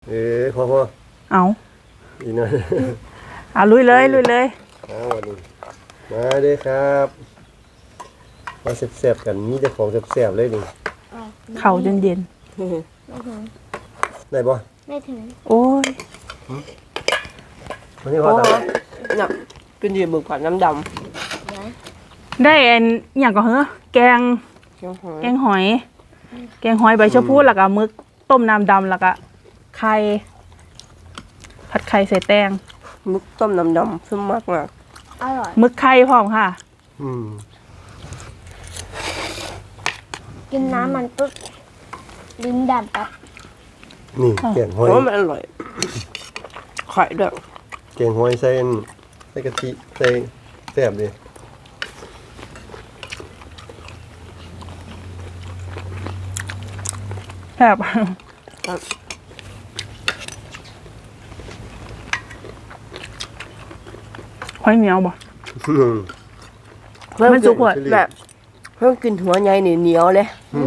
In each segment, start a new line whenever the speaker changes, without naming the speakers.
พอ
เอา
อีกหน่อย
เอาลุยเลยวันนี้
มาเด้ครับมาแซ่บๆกันมีแต่ของแซ่บๆเลยนี่
เข่าจนเย็น
ได้บ่
ไม่ถึง
โอ้ย
วันนี้พอตา
เนี่ยกินดีหมึกผัดน้ำด
ได้อันอย่างก็เหรอแกงหอยใบชะพูแล้วก็มึกต้มน้ำดำแล้วก็ไข่ผัดไข่ใส่แตง
มึกต้มน้ำดำซึ่งมากมาก
อร่อย
มึกไข่พร้อมค่ะ
กินน้ำมันปุ๊บลิ้นดำปั๊บ
นี่แกงหอย
เพราะมันอร่อยไข่ด้วย
แกงหอยใส่กะทิใส่แซ่บดิ
แซ่บหอยเหนียวบ่มันสุกหมด
แบบเพิ่งกินหัวใหญ่เหนียวเลย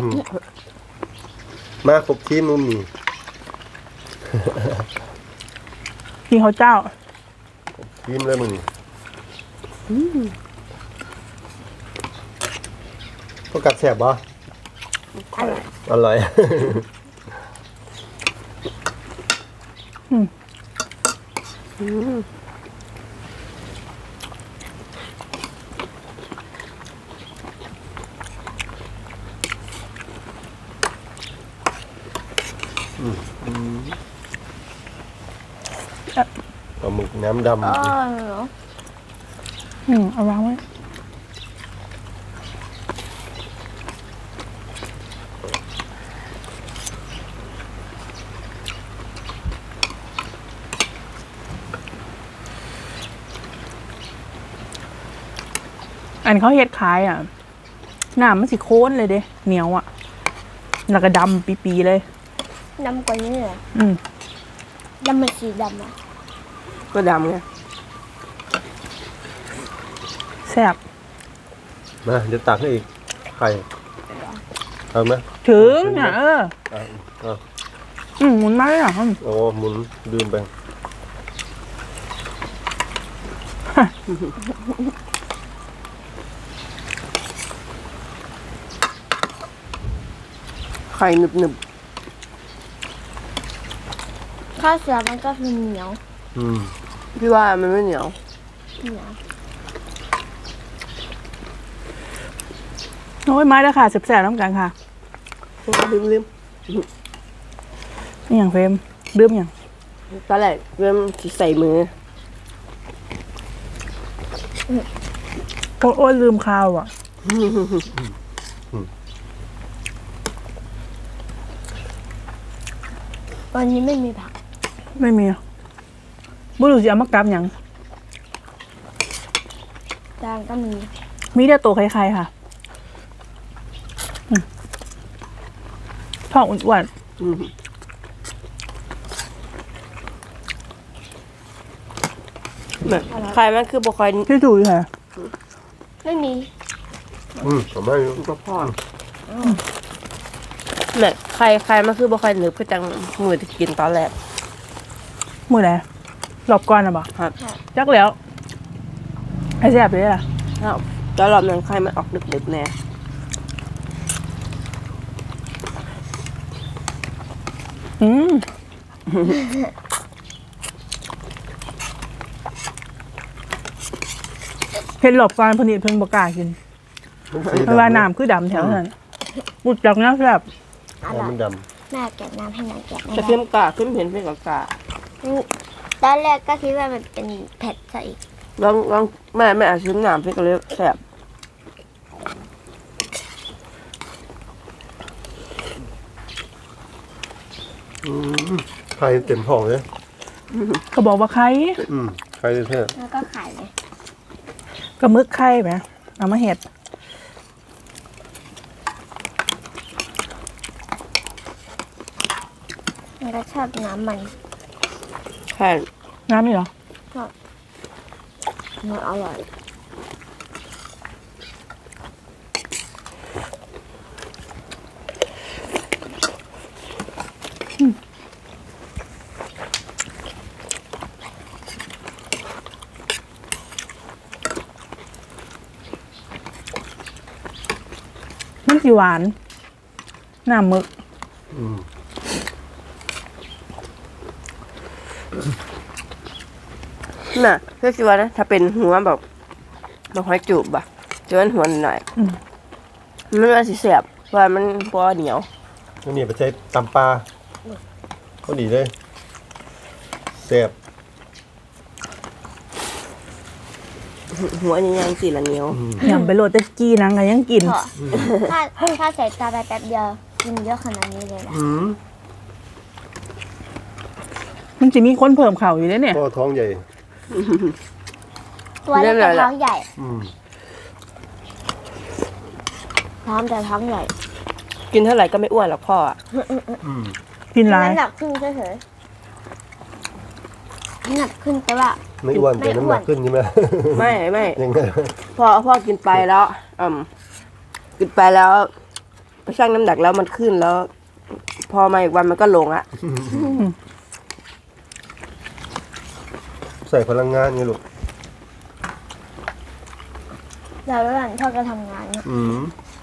มาครบทีมนุ่มนี่
กินข้าวเจ้า
ทีมเลยมึงนี่ก็กัดแซ่บบ่อร่อยปลาหมึกน้ำดำ
เอาวางไว้อันเขาเฮ็ดขายอ่ะน้ำมันสิโค้นเลยเด้เหนียวอ่ะแล้วก็ดำปีๆเลย
ดำกว่านี้เหรอดำมันสีดำอ่ะ
ก็ดำไง
แซ่บ
มาเดี๋ยวตักให้อีกไข่เอาไหม
ถึงเนี่ยหมุนมาเลยเหรอ
โอ้หมุนลืมไป
ไข่หนึบ
ข้าวเสือมันก็คือเหนียว
พี่ว่ามันไม่เหนียว
โอ้ยไม้แล้วค่ะแซ่บๆน้ำกันค่ะ
ลืม
นี่อย่างเฟรมลืมอย่าง
ตอนแรกเริ่มใส่มือ
โอ้ยลืมข้าวอ่ะ
วันนี้ไม่มีผัก
ไม่มีบุรุษจะเอามากลับอย่าง
จางก็
มีแต่ตัวใครๆค่ะท้องอ้วน
ไข่มันคือบุคคล
ที่ถูกค่ะ
ไม่มี
ผมไม่รู้
ก็พอเนี่ยไข่มันคือบุคคลหนึบก็จังมือที่กินตอนแรก
มือไหนหลบก่อนนะบ่
ครับ
จักแล้วไอ้แซ่บเลยล่ะ
แล้วรอบนั้นไข่มันออกดึกๆแน่
เห็นหลบก่อนพนิดเพิ่งบกล้ากินเวลาน้ำคือดำแถวนั้นบุดจักนะแซ่บ
มันด
ำแม่แกะน้ำให้หน่อยแกะ
จะเพิ่มกาขึ้นเห็นเพิ่มกา
ตอนแรกก็คิดว่ามันเป็นเผ็ดซะอีก
ลองแม่อาจชิมน้ำเพิ่มก็เลยแซ่บ
ไข่เต็มท้องเลย
เขาบอกว่าไข่
ไข่แท้
แล้วก็ไข่เลย
ก็มึกไข่ไหมเอามาเห็ด
มันก็ชอบน้ำมัน
ใช่
น้ำนี่เหรอ
ชอบมันอร่อย
สิหวานน้ำหมึก
อืม
น่ะเพื่อคิดว่านะถ้าเป็นหัวแบบมาหอยจูบอะจะเป็นหัวหน่อยมันว่าสิแสบเพราะว่ามันบ่เหนียว
อันนี้ไปใช้ตำปลาก็ดีเลยแซ่บ
หัวนี่ยังสิละเหนียว
ยำไปโรดแต่กี้นังก็ยังกิน
พอถ้าใส่ตาไปแป๊บเดียวกินเยอะขนาดนี้เลยนะ
มันจะมีคนเพิ่มเข่าวอยู่เลยเนี่ย
ก็ท้องใหญ่
ตัวเล็กแต่ท้องใหญ่
อืม
พร้อมแต่ท้องใหญ่
กินเท่าไหร่ก็ไม่อ้วนหรอกพ่ออะ
อืม
กินหลาย
น้ำหนักขึ้นเฉยๆน้ำหนักขึ้นแต่ว่า
ไม่อ้วนแต่น้ำหนักขึ้นใช่ไหม
ไม่
ยังไง
พ่อกินไปแล้วกินไปแล้วไปชั่งน้ำหนักแล้วมันขึ้นแล้ว พอมาอีกวันมันก็ลงอะ
ใส่พลังงานไงลูก
เราระหว่างพ่อก็ทำงานเนี่ย
อืม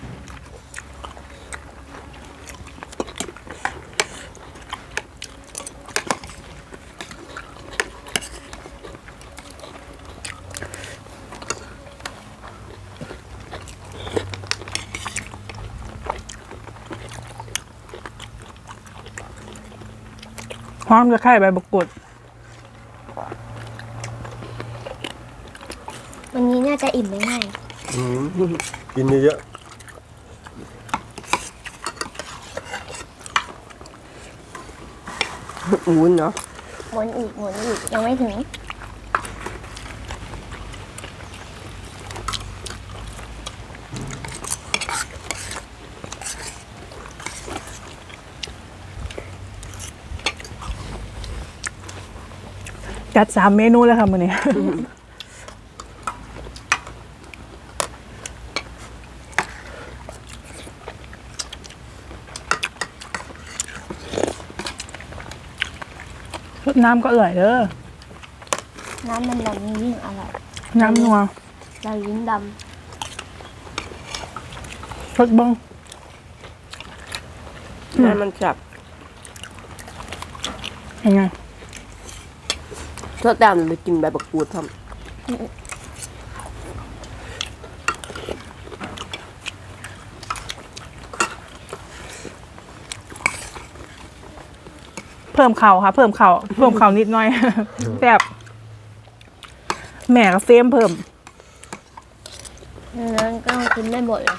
พร้อมจะไข่ใบบักกุด
วันนี้น่าจะอิ่มไม่ง่าย
อืมกินเยอะ
วุ้นเนาะ
หมุนอีกยังไม่ถึง
จัด3 เมนูแล้วค่ะมื้อนี้ รสน้ำก็อร่อยเด้อ
น้ำมันดำนี่ยิ่งอร่อย
น้ำนัว
เราลิ้นด
รสบ้อง
แล้วมันจับ
ยังไง
ทอดดำไปกินใบบักกูดท
เพิ่มเข่าค่ะ เพิ่มเข่านิดหน่อย แบบแม่กับเฟรมเพิ่ม
ำนั้นก็ต้องกินไม่หมดเลย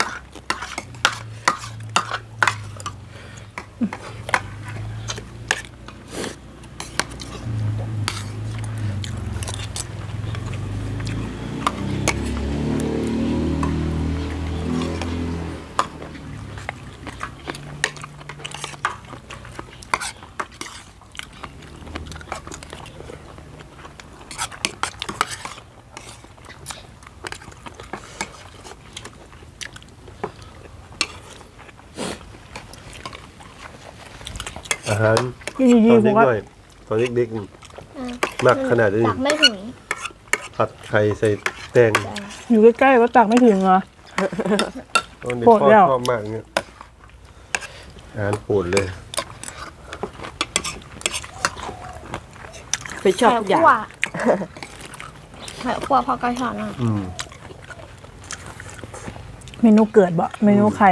อาหาร
กินดี
ตอน
ๆผ
เด็
ม
ก
ก็
ด้วยตอนเด็ก
อ่ะ
ๆหนักขนาดนี้
ตักไม่ถึง
ผัดไข่ใส่แตง
อยู่ใกล้ๆก็ตักไม่ถึงเหรอ
ตอนเด็ก
โปรด
พ่อ
แล้ว
ชอบมากเนี่ยอาหารโปรดเลย
ำไปชอบทุกอย่าง
ไข่คั่วพ่อก็ชอบนะ
อืม
เมนูเกิดบ่เมนูใคร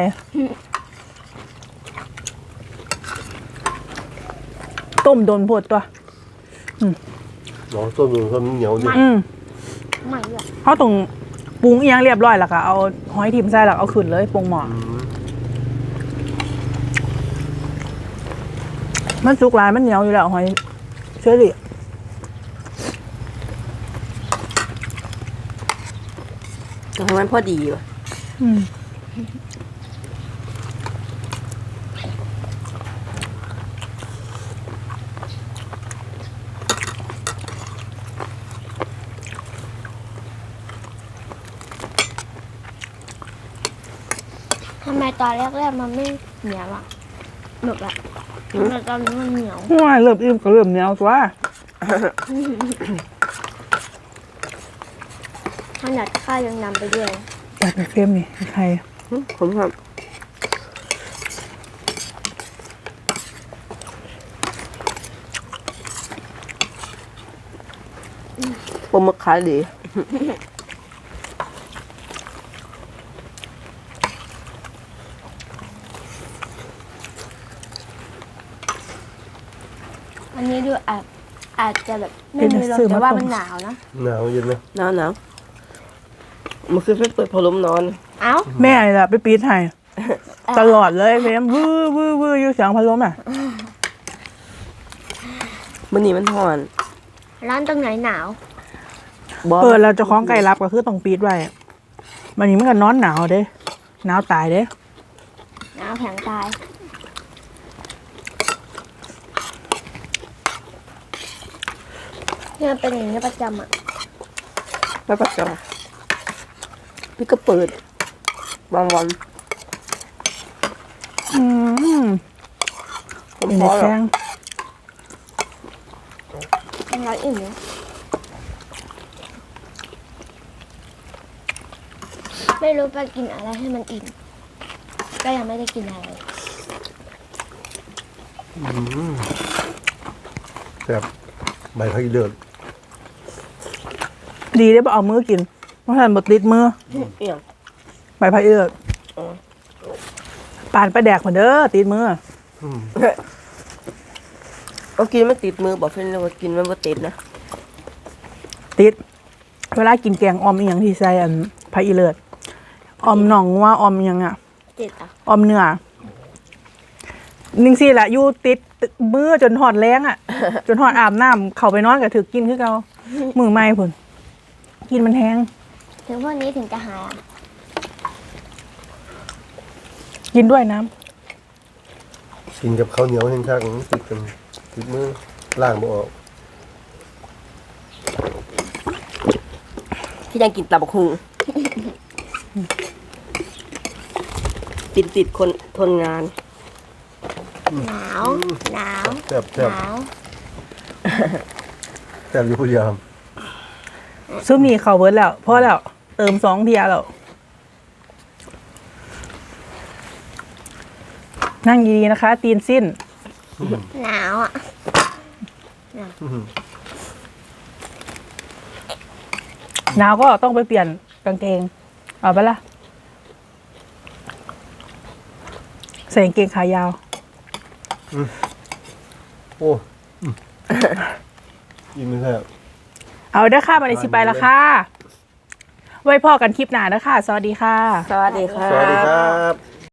ต้มโดนปวดตัว
น้องส้มอยู่ส้มเหนียวนี่
ไม่เลย
เขาตรงปรุงเอียงเรียบร้อยแล้วก็เอาหอยทิมใส่แล้วเอาขึ้นเลยปรุงหม้อ
อืม
มันสุกหลายมันเหนียวอยู่แล้วหอยเชอรี่
แต่ของมันพอดีว่ะ
อืม
ทำไมตอนแรกๆมันไม่เหนียวอ่ะหนึบอ่ะทำไมตอนนี้มันเหนียว
ว้ายเริ่มอิ่มก็เริ่มเหนียวตัว
ขนาดข้าวยังนำไปด้วย
จัดไปเฟรมนี่ใคร
ผมครับปลาหมึกขายดี
อันนี้ดูอาจจะแบบไม่มีลมแต่ว่ามันหนาวนะ
หนาวเย็นนะ
หนาวมันคือไปเปิดพัดลมนอน
เอ้า
แม่นี่แหละไปปีดให้ตลอดเลยเพมวื้อวื้อวื้ออยู่เสียงพัดลมอ่ะ
มันนี่มันห่อน
ร้านตรงไหนหนาว
บอ
เปิดแล้วเจะคล้าของไก่รับก็คือต้องปีดไว้มันนี้มันก็นอนหนาวเด้หนาวตายเด้
หนาวแข็งตายเนี่ยเป็นอย่างนี้ประจำอ่ะ
ไม่ประจำพี่ก็เปิดบางวัน
อืม
ผม
เป็น
พอ
แข้
แล้ว
ง
ร้านอื่นเนี่ยไม่รู้ไปกินอะไรให้มันอิ่มก็ยังไม่ได้กินอะไร
แซ่บใบพักอีเดือด
ดีได้บ่เอามือกินเพราะฉะนั้นบดติดมือ
เอี่ยง
ใบพายเอื้อปานไปแดกเหมือนเด้อติดมือ
เอากินไม่ติดมือบอกเพื่อนเลยว่ากินมันบ่ติดนะ
ติด เวลากินแกงออมอีหยังที่ใส่อันพายอีเลิศออมหน่องงัว่าออมอีหยังอ่ะ
ติดอ่ะ
ออมเนื้อนิ่งสิแหละอยู่ติดมือจนหอดแรงอ่ะ จนหอดอาบน้ำเข้าไปนอนก็ถือกินคือเก่ามือไหม้พุ่นกินมันแห้ง
ถึงพวกนี้ถึงจะหายอ่ะ
กินด้วยน้ำ
กินกับข้าวเหนียวแห้งชักติดกันติดมือล่างบ่ออก
ที่ยังกินตับกหุงติดคนทนงาน
หนาวหนาว
แซ่บ
ห
แซ่บ
นาว
แซ่บอยู่ผู้เดียว
ซุปนี่เขาเบิร์ดแล้วพอแล้วเติม2 เทียแล้วนั่งดีๆนะคะ ตีนสิ้น
หนาวอ่ะ
หนาวก็ต้องไปเปลี่ยนกางเกง เอาไปะละใส่กางเกงขายาว
โอ้ยินไม่แซ่บ
เอาเด้อค่ะมาในสิไปละค่ะ ไว้พ่อกันคลิปหน้าเด้อค่ะ สวัสดีค่ะ
สวัสดีครั
สวัสดี
บ
ครับ